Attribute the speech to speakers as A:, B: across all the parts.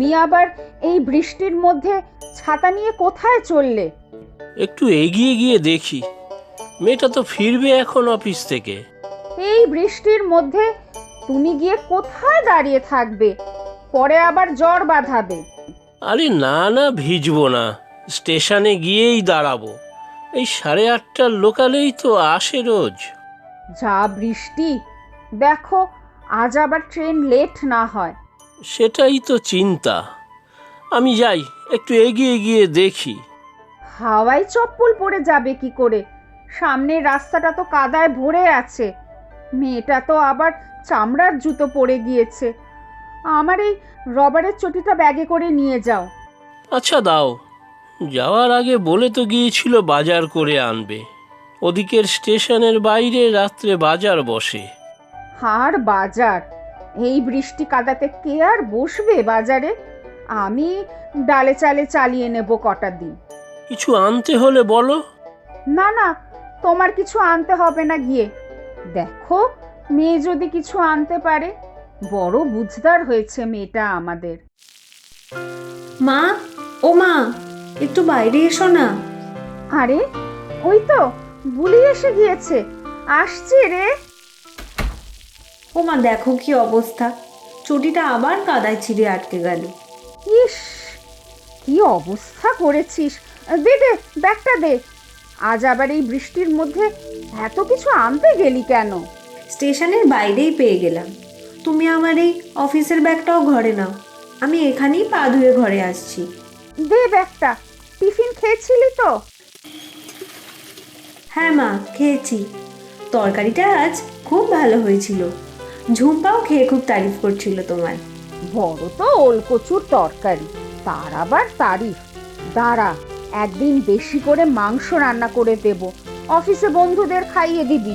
A: তুমি আবার এই বৃষ্টির মধ্যে ছাতা নিয়ে কোথায় চললে?
B: একটু এগিয়ে গিয়ে দেখি, মেয়েটা তো ফিরবে এখন অফিস থেকে।
A: এই বৃষ্টির মধ্যে তুমি গিয়ে কোথায় দাঁড়িয়ে থাকবে? পরে আবার জ্বর বাঁধাবে।
B: আরে না না, ভিজবো না, স্টেশনে গিয়েই দাঁড়াবো। এই 8:30টার লোকালেই তো আসে রোজ।
A: যা বৃষ্টি, দেখো আজ আবার ট্রেন লেট না হয়।
B: সেটাই তো চিন্তা। আমি যাই, একটু এগিয়ে গিয়ে দেখি।
A: হাওয়ায় চপ্পল পরে যাবে কি করে? সামনের রাস্তাটা তো কাদায় ভরে আছে। মেয়েটা তো আবার চামড়ার জুতো পরে গিয়েছে। আমার এই রবারের চটিটা ব্যাগে করে নিয়ে যাও।
B: আচ্ছা দাও, যাওয়ার আগে বলে তো গিয়েছিল বাজার করে আনবে। ওদিকের স্টেশনের বাইরে রাত্রে বাজার বসে।
A: আর বাজার, এই বৃষ্টি কাদাতে কে আর বসবে বাজারে? আমি ডালে চালে চালিয়ে নেব কটা দিন।
B: কিছু আনতে হলে বলো।
A: না না, তোমার কিছু আনতে হবে না গিয়ে। দেখো মেয়ে যদি কিছু আনতে পারে। বড় বুঝদার হয়েছে মেয়েটা আমাদের।
C: মা, ও মা, একটু বাইরে এসো না।
A: আরে ওই তো বুলি এসে গিয়েছে, আসছে রে।
C: ও মা, দেখো কি অবস্থা, চটিটা আবার কাদায় ছিঁড়ে আটকে গেল।
A: ইস, কি অবস্থা করেছিস! দে দে, ব্যাগটা দে। আজ আবার এই বৃষ্টির মধ্যে এত কিছু আনতে গেলি কেন?
C: স্টেশনের বাইরেই পেয়ে গেলাম। তুমি আমার এই অফিসের ব্যাগটাও ঘরে নাও, আমি এখানেই পা ধুয়ে ঘরে আসছি।
A: দে ব্যাগটা। টিফিন খেয়েছিলি তো?
C: হ্যাঁ মা, খেয়েছি। তরকারিটা আজ খুব ভালো হয়েছিল। ঝুম্পাও খেয়ে খুব তারিফ করছিল তোমার।
A: বড় তো ওলকচুর তরকারি, তার আবার তারিফ! দাঁড়া, একদিন বেশি করে মাংস রান্না করে দেব, অফিসে বন্ধুদের খাইয়ে দিবি।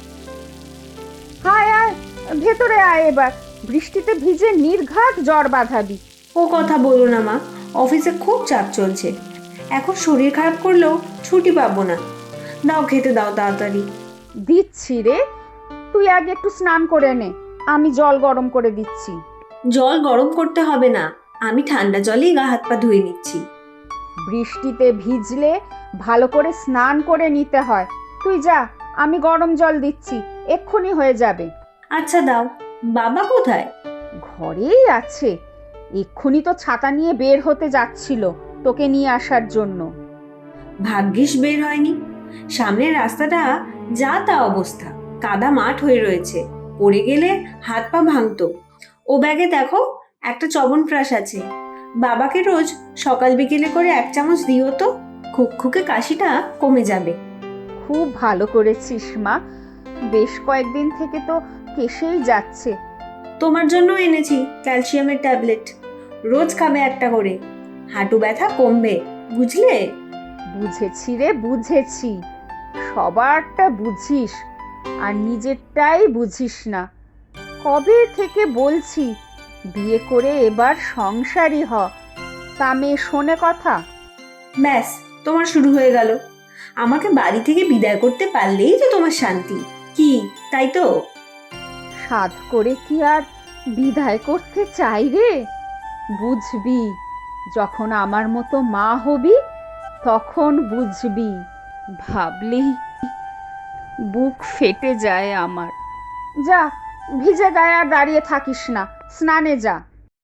A: আয় আয়, ভেতরে আয় এবার। বৃষ্টিতে ভিজে নির্ঘাত জ্বর বাঁধাবি।
C: ও কথা বলো না মা, অফিসে খুব চাপ চলছে। এখন শরীর খারাপ করলেও ছুটি পাবো না। দাও, খেতে দাও তাড়াতাড়ি।
A: দিচ্ছি রে, তুই আগে একটু স্নান করে নে, আমি জল গরম করে দিচ্ছি।
C: জল গরম করতে হবে না, আমি ঠান্ডা জলেই গা হাত পা ধুয়ে নিচ্ছি।
A: বৃষ্টিতে ভিজলে ভালো করে স্নান করে নিতে হয়। তুই যা, আমি গরম জল দিচ্ছি, এক্ষুনি হয়ে যাবে।
C: আচ্ছা দাও। বাবা কোথায়?
A: ঘরেই আছে, এক্ষুনি তো ছাতা নিয়ে বের হতে যাচ্ছিল তোকে নিয়ে আসার জন্য।
C: ভাগ্যিস বের হয়নি। সামনের রাস্তাটা যা তা অবস্থা, কাদা মাঠ হয়ে রয়েছে, পড়ে গেলে হাত পা ভাঙতো। ও ব্যাগে দেখো একটা চবনপ্রাশ আছে, বাবাকে রোজ সকাল বিকেলে করে 1 চামচ দিও তো, খুকখুকে কাশিটা কমে যাবে।
A: খুব ভালো করেছিস মা, বেশ কয়েকদিন থেকে তো কেসেই যাচ্ছে।
C: তোমার জন্য এনেছি ক্যালসিয়ামের ট্যাবলেট, রোজ খাবে একটা করে, হাঁটু ব্যথা কমবে, বুঝলে?
A: বুঝেছি রে, বুঝেছি। সবারটা বুঝিস আর নিজেরটাই বুঝিস না। কবে থেকে বলছি বিয়ে করে এবার সংসারী হ, তা মেয়ে শোনে কথা?
C: ব্যাস, তোমার শুরু হয়ে গেল। আমাকে বাড়ি থেকে বিদায় করতে পারলেই তো তোমার শান্তি, কি তাই তো?
A: সাধ করে কি আর বিদায় করতে চাই রে? বুঝবি, যখন আমার মতো মা হবি তখন বুঝবি। ভাবলি বুক ফেটে যায় আমার। যা, ভিজে গায়ে আর দাঁড়িয়ে থাকিস না, স্নানে যা।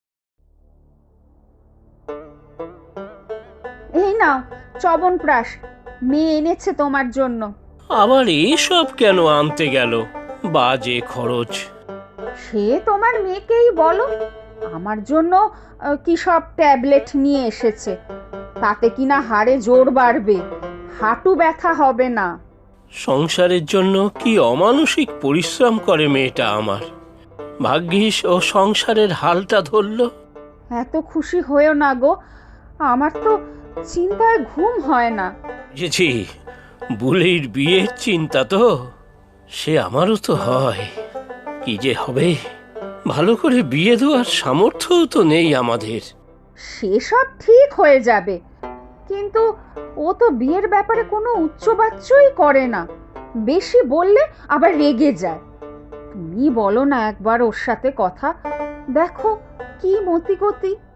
A: এই নাও চবনপ্রাশ, মেয়ে এনেছে তোমার জন্য।
B: আবার এসব কেন আনতে গেল? বাজে খরচ।
A: সে তোমার মেয়েকেই বলো, আমার জন্য কি সব ট্যাবলেট নিয়ে এসেছে। তাতে কিনা হাড়ে জোর বাড়বে, হাঁটু ব্যথা হবে না।
B: সংসারের জন্য কি অমানসিক পরিশ্রম করে মেয়েটা আমার। ভাগ্যিস ও সংসারের হালটা ধরল।
A: এত খুশি হয়েও না গো, আমার তো চিন্তায় ঘুম হয় না।
B: বুঝেছি, বুলির বিয়ের চিন্তা তো, সে আমারও তো হয়। কি যে হবে, ভালো করে বিয়ে দেওয়ার সামর্থ্যও তো নেই আমাদের।
A: সেসব ঠিক হয়ে যাবে, কিন্তু ও তো বিয়ের ব্যাপারে কোনো উচ্চবাচ্যই করে না। বেশি বললে আবার রেগে যায়। তুমি বলো না একবার ওর সাথে কথা, দেখো কি মতি গতি।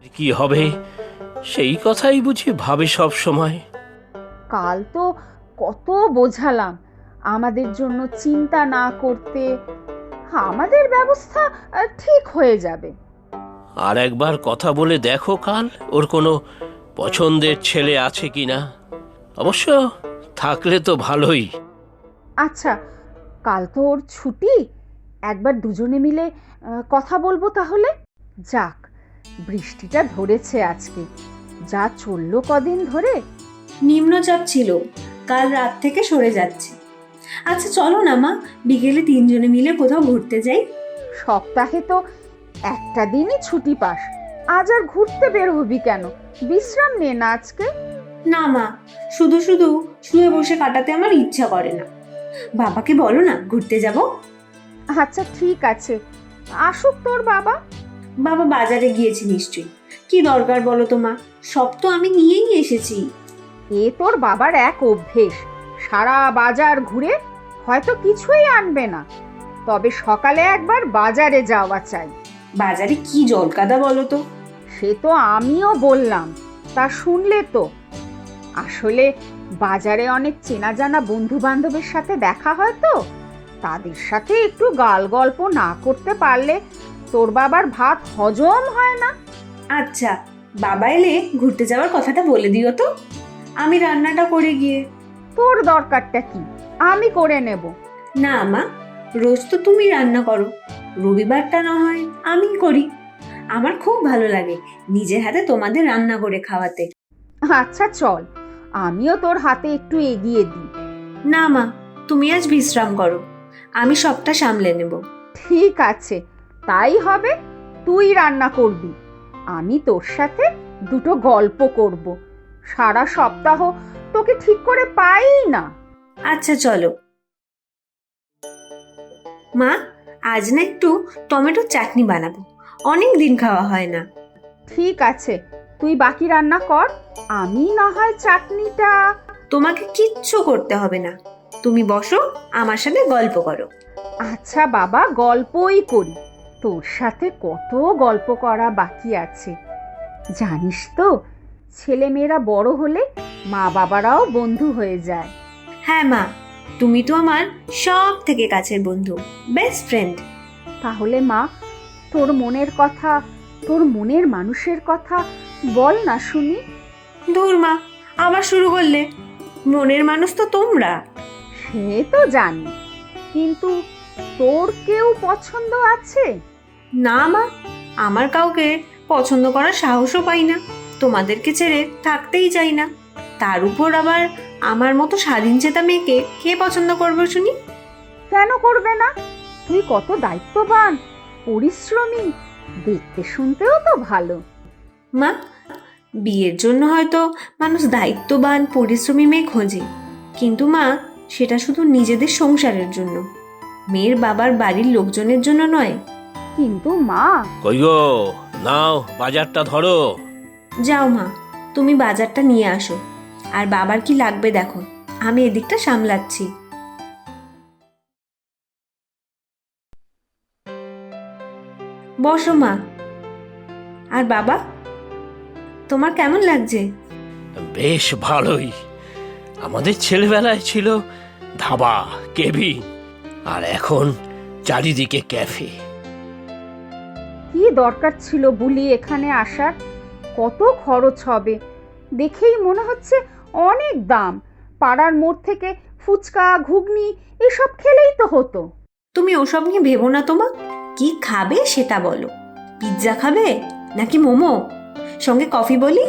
B: কি হবে সেই কথাই বুঝি ভাবে সব সময়।
A: কাল তো কত বোঝালাম আমাদের জন্য চিন্তা না করতে, আমাদের ব্যবস্থা ঠিক হয়ে যাবে।
B: আর একবার কথা বলে দেখো কাল ওর কোনো পছন্দের ছেলে আছে কিনা, অবশ্য থাকলে তো ভালোই।
A: আচ্ছা, কাল তো ওর ছুটি, একবার দুজনে মিলে কথা বলবো তাহলে। যাক, বৃষ্টিটা ধরেছে আজকে, যা চললো কদিন ধরে।
C: নিম্নচাপ ছিল, কাল রাত থেকে সরে যাচ্ছে। আচ্ছা চলো না মা, বিকেলে তিনজনে মিলে কোথাও ঘুরতে যাই।
A: সপ্তাহে তো একটা দিনই ছুটি পাস, আজ আর ঘুরতে বের হবি কেন? বিশ্রাম নে না আজকে।
C: না মা, শুধু শুধু শুয়ে বসে কাটাতে আমার ইচ্ছা করে না। বাবাকে বলো না ঘুরতে যাব।
A: আচ্ছা ঠিক আছে, আসুক তোর বাবা।
C: বাবা বাজারে গিয়েছে নিশ্চয়ই। কি দরকার বলো তো মা, সব তো আমি নিয়েই এসেছি।
A: এ তোর বাবার এক অভ্যেস, সারা বাজার ঘুরে হয়তো কিছুই আনবে না, তবে সকালে একবার বাজারে যাওয়া চাই।
C: বাজারে কি জলকাদা বলো তো।
A: সে তো আমিও বললাম, তা শুনলে তো। আসলে বাজারে অনেক চেনা জানা বন্ধু বান্ধবের সাথে দেখা হয় তো, তাদের সাথে একটু গাল গল্প না করতে পারলে তোর বাবার ভাত হজম হয় না।
C: আচ্ছা, বাবা এলে ঘুরতে যাওয়ার কথাটা বলে দিও তো, আমি রান্নাটা করে গিয়ে।
A: তোর দরকারটা কি, আমি করে নেব।
C: না মা, রোজ তো তুমি রান্না করো, রবিবারটা না হয় আমি করি। আমার খুব ভালো লাগে নিজের হাতে তোমাদের রান্না করে খাওয়াতে।
A: আচ্ছা চল, আমিও তোর হাতে একটু এগিয়ে দিই।
C: না মা, তুমি আজ বিশ্রাম করো, আমি সবটা সামলে নেব।
A: ঠিক আছে, তাই হবে। তুই রান্না করবি, আমি তোর সাথে দুটো গল্প করব। সারা সপ্তাহ তোকে ঠিক করে পাই না।
C: আচ্ছা চলো মা, আজ না একটু টমেটোর চাটনি বানাবো, অনেক দিন খাওয়া হয় না।
A: ঠিক আছে, তুই বাকি রান্না কর, আমি না হয় চাটনিটা।
C: তোমাকে কিচ্ছু করতে হবে না, তুমি বসো আমার সাথে গল্প করো।
A: আচ্ছা বাবা, গল্পই করি, তোর সাথে কত গল্প করা বাকি আছে। জানিস তো, ছেলেমেয়েরা বড় হলে মা বাবারাও বন্ধু হয়ে যায়।
C: হ্যাঁ মা, তুমি তো আমার সব থেকে কাছের বন্ধু, বেস্ট ফ্রেন্ড।
A: তাহলে মা, তোর মনের কথা, তোর মনের মানুষের কথা বল না শুনি।
C: ধুর মা, আবার শুরু করলে। মনের মানুষ তো তোমরা।
A: সে তো জানি, কিন্তু তোর কেউ পছন্দ আছে?
C: না মা, আমার কাউকে পছন্দ করার সাহসও পাই না, তোমাদেরকে ছেড়ে থাকতেই চাই না। তার উপর আবার আমার মতো স্বাধীনচেতা মেয়েকে কে পছন্দ করবে শুনি?
A: কেন করবে না? তুই কত দায়িত্ববান, পরিশ্রমী, দেখতে শুনতেও তো ভালো।
C: মা, বিয়ের জন্য হয়তো মানুষ দায়িত্ববান পরিশ্রমী মেয়ে খোঁজে, কিন্তু মা, সেটা শুধু নিজেদের সংসারের জন্য, মেয়ের বাবার বাড়ির লোকজনের জন্য নয়।
A: কিন্তু মা।
B: কই গো, নাও বাজারটা ধরো।
C: যাও মা, তুমি বাজারটা নিয়ে আসো, আর বাবার কি লাগবে দেখো, আমি এদিকটা সামলাচ্ছি। বসো মা। আর বাবা, তোমার কেমন লাগছে?
B: বেশ ভালোই। আমাদের ছেলেবেলায় ছিল ধাবা, কেবিন, আর এখন চারিদিকে ক্যাফে।
A: কি দরকার ছিল বুলি এখানে আসার? কত খরচ হবে, দেখেই মনে হচ্ছে অনেক দাম। পাড়ার মোড় থেকে ফুচকা ঘুগনি এসব খেলেই তো হতো।
C: তুমি ওসব নিয়ে ভেবো না তো মা, কি খাবে সেটা বলো। পিৎজা খাবে নাকি মোমো, সঙ্গে কফি বলি?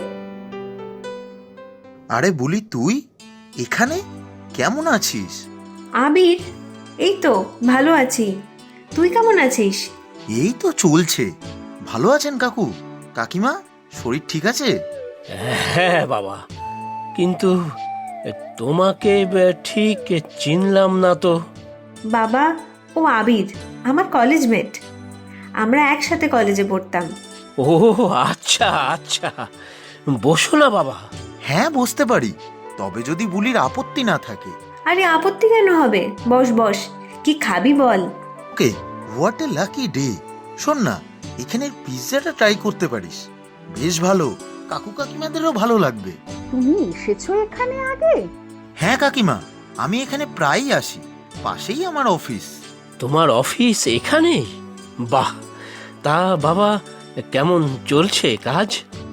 D: আরে বলি, তুই এখানে কেমন আছিস?
C: আবির, এই তো ভালো আছি, তুই কেমন আছিস?
D: এই তো চলছে। ভালো আছেন কাকু কাকিমা? শরীর ঠিক আছে?
B: হ্যাঁ বাবা, কিন্তু তোমাকে ঠিক চিনলাম না তো।
C: বাবা, ও আবির আমার কলেজ মেট, আমরা একসাথে কলেজে পড়তাম।
B: ও আচ্ছা আচ্ছা, বসো না বাবা।
D: হ্যাঁ বসতে পারি, তবে যদি বুলির আপত্তি না থাকে।
C: আরে আপত্তি কেন হবে, বস বস, কি খাবি বল?
D: Okay, what a lucky day. শোন না, এখানের পিৎজাটা ট্রাই করতে পারিস। বেশ ভালো, কাকু কাকিমাদেরও ভালো লাগবে।
A: তুমি এসেছো এখানে আগে?
D: হ্যাঁ কাকিমা, আমি এখানে প্রায়ই আসি, পাশেই আমার অফিস।
B: তোমার অফিস এখানে? বাহ! তা বাবা, কেমন চলছে কাজ?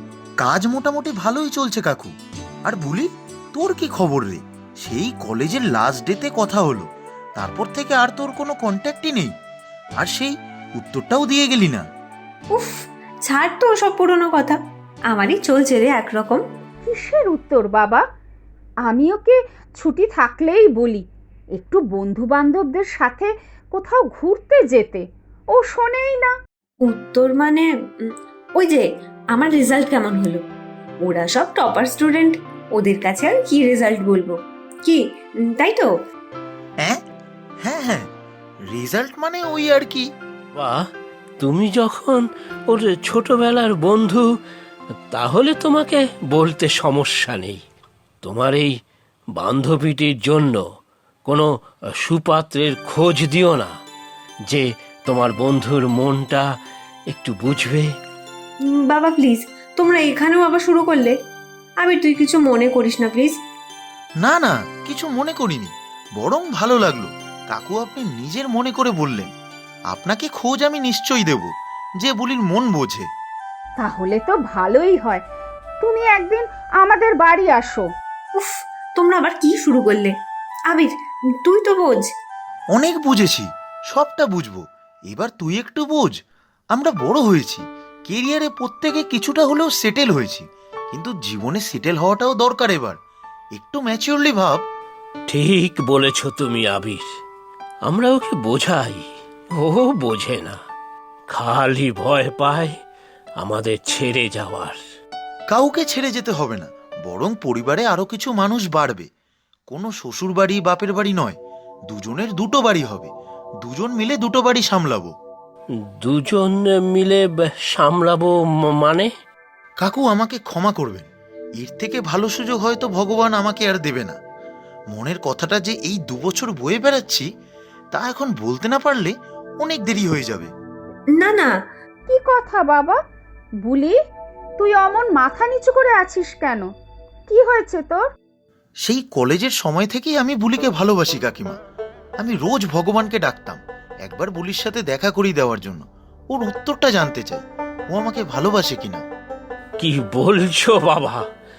D: কাজ মোটামুটি ভালোই চলছে কাকু। আর বলি, তোর কি খবর রে? সেই কলেজের লাস্ট ডেতে কথা হলো, তারপর থেকে আর তোর কোনো কন্ট্যাক্টই নেই। আর সেই উত্তরটাও দিয়ে গেলি না।
C: উফ, ছাড় তো ওসব পুরনো কথা। আমারই চলছে রে একরকম।
A: কিসের উত্তর বাবা? আমি ওকে ছুটি থাকলেই বলি একটু বন্ধু বান্ধবদের সাথে কোথাও ঘুরতে যেতে, ও শোনেই না।
C: উত্তর মানে ওই যে আমার রেজাল্ট কেমন হলো। ওরা সব টপার স্টুডেন্ট, ওদের কাছে আর কি রেজাল্ট বলবো? কি তাই তো?
D: হ্যাঁ হ্যাঁ হ্যাঁ, রেজাল্ট মানে ওই আর কি।
B: বাহ! তুমি যখন ওর ছোটবেলার বন্ধু, তাহলে তোমাকে বলতে সমস্যা নেই। তোমার এই বান্ধবীটির জন্য কোনো সুপাত্রের খোঁজ দিও না, যে তোমার বন্ধুর মনটা একটু বুঝবে।
C: বাবা প্লিজ, তোমরা এখানেও আবার শুরু করলে। আমি তুই কিছু মনে করিস না প্লিজ।
D: না না, কিছু মনে করিনি, বরং ভালো লাগলো কাকু আপনি নিজের মনে করে বললেন। আপনাকে খোঁজ আমি নিশ্চয়ই দেব, যে বুলির মন বোঝে।
A: তাহলে তো ভালোই হয়, তুমি একদিন আমাদের বাড়ি আসো।
C: উফ, তোমরা আবার কি শুরু করলে? আবির, তুই তো বোঝ।
D: অনেক বুঝেছি, সবটা বুঝবো, এবার তুই একটু বোঝ। আমরা বড় হয়েছি, কেরিয়ারে প্রত্যেকে কিছুটা হলেও সেটেল হয়েছি, কিন্তু জীবনে সেটেল হওয়াটাও দরকার। এবার একটু ম্যাচিওরলি ভাব।
B: ঠিক বলেছ তুমি আবির, আমরা ওকে বোঝাই, ও বোঝে না, খালি ভয় পায় আমাদের ছেড়ে যাওয়ার।
D: কাউকে ছেড়ে যেতে হবে না, বরং পরিবারে আরো কিছু মানুষ বাড়বে। কোনো শ্বশুর বাড়ি বাপের বাড়ি নয়, দুজনের দুটো বাড়ি হবে, দুজন মিলে দুটো বাড়ি সামলাবো।
B: দুজন মিলে সামলাবো মানে?
D: কাকু আমাকে ক্ষমা করবেন, এর থেকে ভালো সুযোগ হয়তো ভগবান আমাকে আর দেবে না। মনের কথাটা যে এই 2 বছর বয়ে বেড়াচ্ছি, তা এখন বলতে না পারলে অনেক দেরি হয়ে যাবে।
C: না না,
A: কি কথা বাবা? বুলি, তুই অমন মাথা নিচু করে আছিস কেন? কি হয়েছে তোর?
D: সেই কলেজের সময় থেকেই আমি বুলিকে ভালোবাসি কাকিমা। আমি রোজ ভগবানকে ডাকতাম একবার বুলির সাথে দেখা করিয়ে দেওয়ার জন্য, ওর উত্তরটা জানতে চাই, ও আমাকে ভালোবাসে কিনা।
B: কি বলছো বাবা?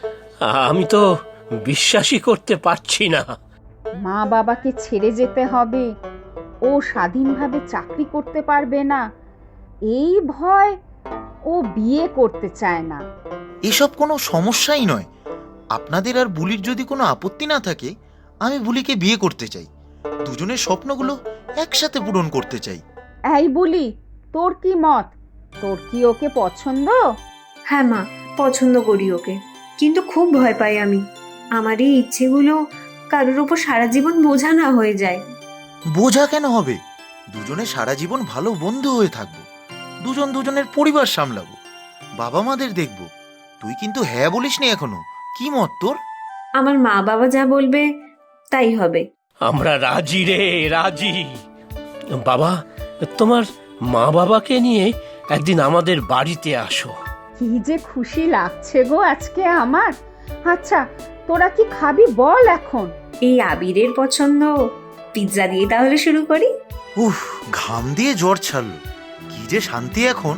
B: আমি তো বিশ্বাসই করতে পারছি না।
A: মা বাবাকে ছেড়ে যেতে হবে, ও স্বাধীনভাবে চাকরি করতে পারবে না, এই ভয় ও বিয়ে করতে চায় না।
D: এসব কোনো সমস্যাই নয়। আপনাদের আর বুলির যদি কোনো আপত্তি না থাকে, আমি বুলিকে বিয়ে করতে চাই, দুজনের স্বপ্নগুলো একসাথে পূরণ করতে চাই।
A: এই বুলি, তোর কি মত? তোর কি ওকে পছন্দ?
C: হ্যাঁ মা, পছন্দ করি ওকে, কিন্তু খুব ভয় পাই আমি। আমার এই ইচ্ছেগুলো কারোর ওপর সারা জীবন বোঝা না হয়ে যায়।
D: বোঝা কেন হবে? দুজনে সারা জীবন ভালো বন্ধু হয়ে থাকবো, দুজন দুজনের পরিবার সামলাবো, বাবা মাদের দেখবো। তুই কিন্তু হ্যাঁ বলিসনি এখনো, কি মত তোর?
C: আমার মা বাবা যা বলবে তাই হবে।
B: আমরা রাজি রে, রাজি। বাবা, তোমার মা বাবাকে নিয়ে একদিন আমাদের বাড়িতে আসো।
A: কি যে খুশি লাগছে গো আজকে আমার। আচ্ছা, তোরা কি খাবি বল এখন?
C: এই আবিরের পছন্দ পিৎজা দিয়ে তাহলে শুরু করি।
D: উফ, ঘাম দিয়ে জ্বর ছাড়লো, কি যে শান্তি এখন।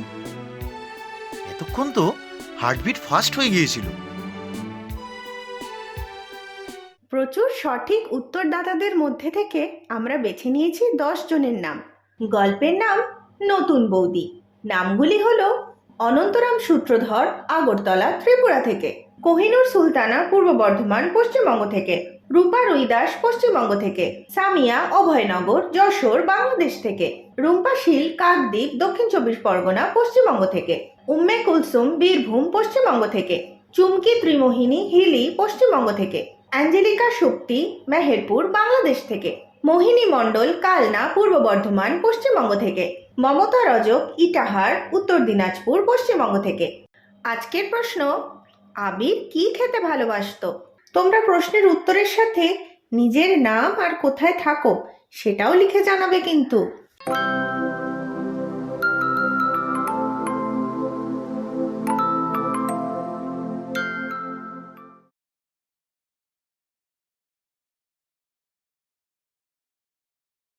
D: এতক্ষণ তো হার্টবিট ফাস্ট হয়ে গিয়েছিল।
E: প্রচুর সঠিক উত্তরদাতাদের মধ্যে থেকে আমরা বেছে নিয়েছি 10 জনের নাম। গল্পের নাম নতুন বৌদি। নামগুলি হলো অনন্তরাম সূত্রধর, আগরতলা, ত্রিপুরা থেকে; কোহিনুর সুলতানা, পূর্ব বর্ধমান, পশ্চিমবঙ্গ থেকে; রূপা রুইদাস, পশ্চিমবঙ্গ থেকে; সামিয়া, অভয়নগর, যশোর, বাংলাদেশ থেকে; রুম্পা শীল, কাকদ্বীপ, দক্ষিণ 24 পরগনা, পশ্চিমবঙ্গ থেকে; উম্মে কুলসুম, বীরভূম, পশ্চিমবঙ্গ থেকে; চুমকি ত্রিমোহিনী, হিলি, পশ্চিমবঙ্গ থেকে; অ্যাঞ্জেলিকা শক্তি, মেহেরপুর, বাংলাদেশ থেকে; মোহিনী মণ্ডল, কালনা, পূর্ব বর্ধমান, পশ্চিমবঙ্গ থেকে; মমতা রজক, ইটাহার, উত্তর দিনাজপুর, পশ্চিমবঙ্গ থেকে। আজকের প্রশ্ন, আবির কি খেতে ভালোবাসতো? তোমরা প্রশ্নের উত্তরের সাথে নিজের নাম আর কোথায় থাকো সেটাও লিখে জানাবে কিন্তু।